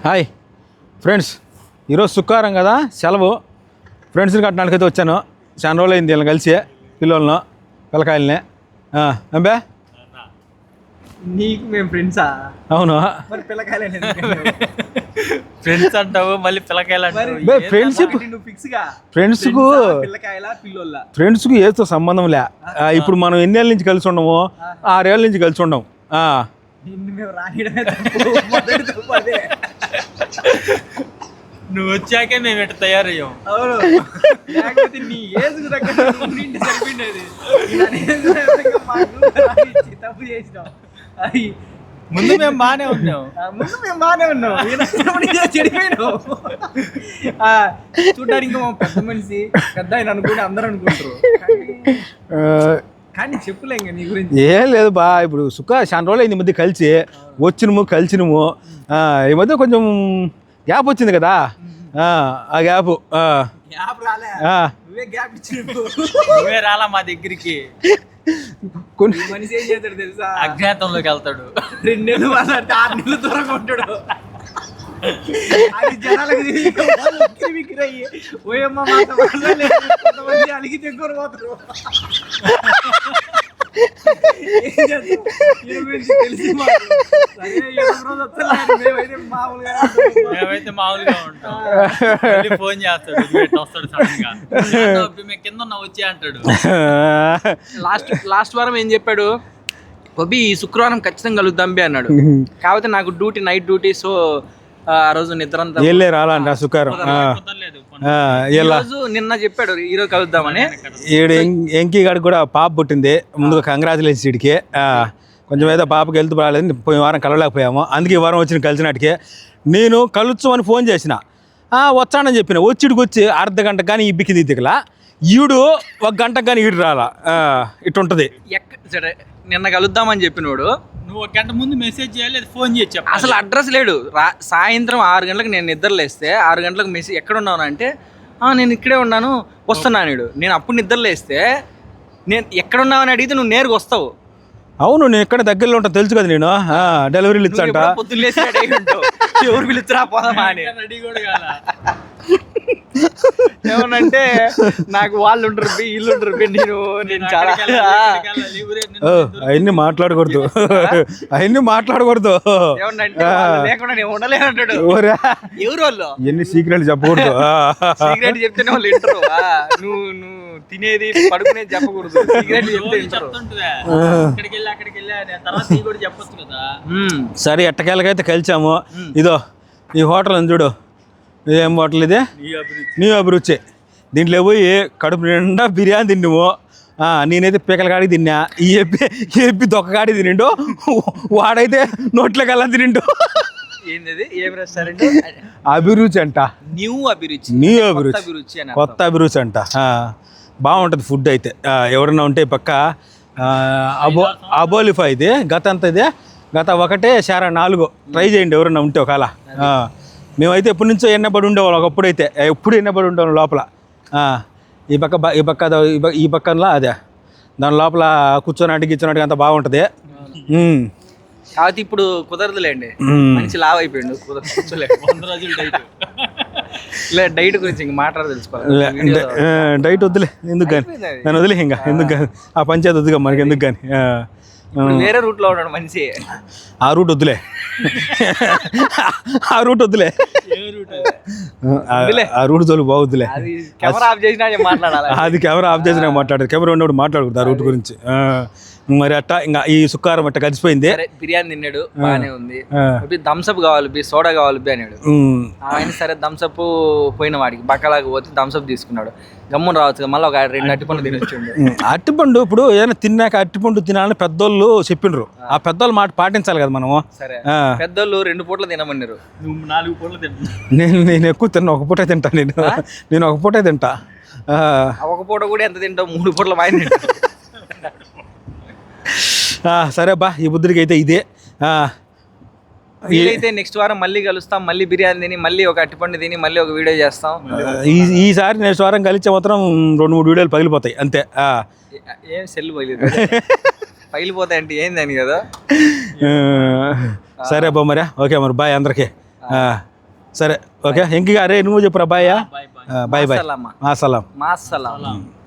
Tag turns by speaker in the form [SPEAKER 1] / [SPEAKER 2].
[SPEAKER 1] Hi friends, ఈరోజు శుక్రవారం కదా, సెలవు. ఫ్రెండ్స్ని కట్టడానికైతే వచ్చాను. చాలా రోజులు అయింది వీళ్ళని కలిసి, పిల్లలను పిల్లకాయలని. అంబే
[SPEAKER 2] నీకు మేము ఫ్రెండ్సా?
[SPEAKER 1] అవును,
[SPEAKER 2] మరి పిల్లకాయలే
[SPEAKER 3] ఫ్రెండ్స్ అంటావు, మళ్ళీ పిల్లకాయలు అంటావు.
[SPEAKER 1] ఫ్రెండ్షిప్ ఫ్రెండ్స్కు ఫ్రెండ్స్కు ఏదో సంబంధం లే. ఇప్పుడు మనం ఎన్నేళ్ళ నుంచి కలిసి ఉండము? 6 ఏళ్ళ నుంచి కలిసి ఉండము.
[SPEAKER 3] నువ్వు వచ్చాకే మేము ఎట్లా తయారయ్యాం.
[SPEAKER 2] అవును, లేకపోతే నీ ఏజ్ సరిపోయినది. తప్పు చేసినాం.
[SPEAKER 3] ముందు మేము బాగానే ఉన్నాం.
[SPEAKER 2] చెడిపోయినావు. చూడ్డానికి ఇంకా పెద్ద మనిషి, పెద్ద ఆయన అనుకుని అందరూ అనుకుంటారు. కానీ చెప్పులే ఇంకా నీ గురించి.
[SPEAKER 1] ఏం లేదు బా, ఇప్పుడు చాలా రోజులు అయింది. ఈ మధ్య కలిసినము. ఈ మధ్య కొంచెం గ్యాప్ వచ్చింది కదా, ఆ గ్యాప్
[SPEAKER 2] రాలే, నువ్వే గ్యాప్ ఇచ్చి
[SPEAKER 3] నువ్వే రాలా మా దగ్గరికి.
[SPEAKER 2] కొన్ని మనిషి ఏం చేస్తాడు తెలుసా?
[SPEAKER 3] అజ్ఞాతంలోకి వెళ్తాడు.
[SPEAKER 2] 2 నెలలు మాట్లాడితే 6 నెలలు దూరంగా ఉంటాడు. అది జనాలకు విక్రయ్యి ఓయమ్మ మాట కొంతమంది అలిగి తెచ్చుకొని పోతారు.
[SPEAKER 3] మేమైతే మామూలుగా ఉంటాం. ఫోన్ చేస్తాడు, వస్తాడు సడన్ గా, మేము కింద ఉన్నా వచ్చి అంటాడు.
[SPEAKER 2] లాస్ట్ వారం ఏం చెప్పాడు? బొబ్బి ఈ శుక్రవారం ఖచ్చితంగా కలుద్దాం బి అన్నాడు. కాకపోతే నాకు నైట్ డ్యూటీ, సో ఆ రోజు నిద్ర
[SPEAKER 1] రాలంట శుక్రవారం.
[SPEAKER 2] నిన్న చెప్పాడు ఈరోజు కలుద్దామని.
[SPEAKER 1] ఎంకీ గారికి కూడా పాప పుట్టింది. ముందుగా కంగ్రాచులేషన్స్ వీడికి. కొంచెం ఏదో పాపకి వెళ్తూ రాలేదు, పోయిన వారం కలవలేకపోయాము. అందుకే ఈ వారం వచ్చిన కలిసినట్టుకే నేను కలుచ్చు అని ఫోన్ చేసిన. వచ్చానని చెప్పిన. వచ్చిడికి వచ్చి అర్ధ గంట కానీ ఇబ్బికింది దిగలా. ఈడు 1 గంట కానీ ఈడు రాలా. ఇటుంటది.
[SPEAKER 2] సరే, నిన్న కలుద్దామని చెప్పినోడు
[SPEAKER 3] నువ్వు 1 గంట ముందు మెసేజ్ చేయాలి, ఫోన్ చేసి
[SPEAKER 2] అసలు అడ్రస్ లేడు. సాయంత్రం 6 గంటలకు నేను నిద్రలేస్తే 6 గంటలకు మెసేజ్ ఎక్కడ ఉన్నాను అంటే, నేను ఇక్కడే ఉన్నాను వస్తున్నాను. నేను అప్పుడు నిద్రలేస్తే నేను ఎక్కడ ఉన్నావు అని అడిగితే నువ్వు నేరుగా వస్తావు.
[SPEAKER 1] అవును, నేను ఎక్కడ దగ్గరలో ఉంటా తెలుసు కదా. నేను డెలివరీలు ఇచ్చంట.
[SPEAKER 2] ఎవరు పిలుచురా పోదామా అని. ఏమనంటే నాకు వాళ్ళు ఉంటారు, వీళ్ళు ఉంటారు. నేను చాలా
[SPEAKER 1] అవన్నీ మాట్లాడకూడదు.
[SPEAKER 2] ఏమన్నంటే లేకుండా నేను ఉండలేను అంటాడు. ఎవరు వాళ్ళు?
[SPEAKER 1] ఎన్ని సీక్రెట్లు చెప్పకూడదు.
[SPEAKER 2] సీక్రెట్ చెప్తేనే వాళ్ళు వింటారు. నువ్వు తినేది పడుకునేది చెప్పకూడదు. సీక్రెట్ చెప్తే
[SPEAKER 1] సరే, ఎట్టకేళ్ళకైతే కలిసాము. ఇదో ఈ హోటల్ అని చూడు. ఏం హోటల్ ఇది? నీ అభిరుచి. దీంట్లో పోయి కడుపు నిండా బిర్యానీ తిన్నాము. నేనైతే పీకల కాడికి తిన్నా. ఈ ఎప్పి దొక్క కాడికి తినిండు. వాడైతే నోట్లోకి వెళ్ళా తినిండు. అభిరుచి అంట.
[SPEAKER 2] న్యూ అభిరుచి.
[SPEAKER 1] కొత్త అభిరుచి అంట. బాగుంటుంది ఫుడ్ అయితే. ఎవరన్నా ఉంటే పక్క అబోలిఫా ఇది. గత 1/4 ట్రై చేయండి ఎవరన్నా ఉంటే ఒకవేళ. మేమైతే ఎప్పటి నుంచో ఎన్నబడి ఉండేవాళ్ళం. ఒకప్పుడైతే ఎప్పుడు ఎన్నబడి ఉండేవాళ్ళం లోపల. ఈ పక్కనలా అదే దాని లోపల కూర్చోనాటికి అంత బాగుంటుంది.
[SPEAKER 2] కాబట్టి ఇప్పుడు కుదరదులేండి, మంచి లావ్ అయిపోయిండు. డైట్ గురించి ఇంక మాట్లాడ తెలుసుకోవాలి.
[SPEAKER 1] డైట్ వద్దులే, ఎందుకు కానీ నన్ను వదిలే. ఇంకా ఎందుకు కానీ ఆ పంచాయతీ వద్దుగా మనకి, ఎందుకు కానీ.
[SPEAKER 2] వేరే రూట్ లో ఉన్నాడు మనిషి.
[SPEAKER 1] ఆ రూట్ వద్దులే. ఆ రూట్ జోలు బాగుద్దులే.
[SPEAKER 2] కెమెరా ఆఫ్ చేసినా మాట్లాడాలి.
[SPEAKER 1] అది కెమెరా ఆఫ్ చేసినా మాట్లాడదు. కెమెరా ఉన్నప్పుడు మాట్లాడకూడదు ఆ రూట్ గురించి. మరి అట్టా ఇంకా ఈ శుక్రవారం అట్ట కలిసిపోయింది.
[SPEAKER 2] బిర్యానీ తిన్నాడు, బాగానే ఉంది. థమ్స్అప్ కావాలి, సోడా కావాలి అన్నాడు. ఆయన సరే థమ్స్అప్ పోయిన వాడికి బక్కలాగా పోతే థమ్స్అప్ తీసుకున్నాడు. గమ్మున రావచ్చు, మళ్ళీ ఒక 2 అట్టిపండు తినొచ్చిండు.
[SPEAKER 1] అట్టిపండు ఇప్పుడు ఏదైనా తిన్నాక అట్టిపండు తినాలని పెద్దోళ్ళు చెప్పిండ్రు. ఆ పెద్దోళ్ళు మాట పాటించాలి కదా మనము.
[SPEAKER 2] సరే, పెద్దోళ్ళు 2 పూటలు తినమన్నారు,
[SPEAKER 3] నువ్వు 4 పూటలు తింటా.
[SPEAKER 1] నేను ఎక్కువ తిన్నా, 1 పూటే తింటా. నేను 1 పూటే తింటా.
[SPEAKER 2] 1 పూట కూడా ఎంత తింటావు? 3 పూటలు వాయిన్ తింటావు.
[SPEAKER 1] సరే బా, ఈ బుద్ధుడికి అయితే ఇదే.
[SPEAKER 2] వీలైతే నెక్స్ట్ వారం మళ్ళీ కలుస్తాం. మళ్ళీ బిర్యానీ తిని, మళ్ళీ ఒక అట్టిపండు తిని, మళ్ళీ ఒక వీడియో చేస్తాం.
[SPEAKER 1] ఈసారి నెక్స్ట్ వారం కలిసే మాత్రం 2-3 వీడియోలు పగిలిపోతాయి అంతే.
[SPEAKER 2] ఏం సెల్ పగిలిపోతాయి అంటే ఏందని కదా.
[SPEAKER 1] సరే బా, మరి ఓకే మరి బాయ్ అందరికీ. సరే ఓకే ఎంకి గారే నువ్వు చెప్పురా bye
[SPEAKER 3] bye bye
[SPEAKER 1] bye bye
[SPEAKER 2] సలామా.
[SPEAKER 1] మా సలాం
[SPEAKER 2] మా సలాం.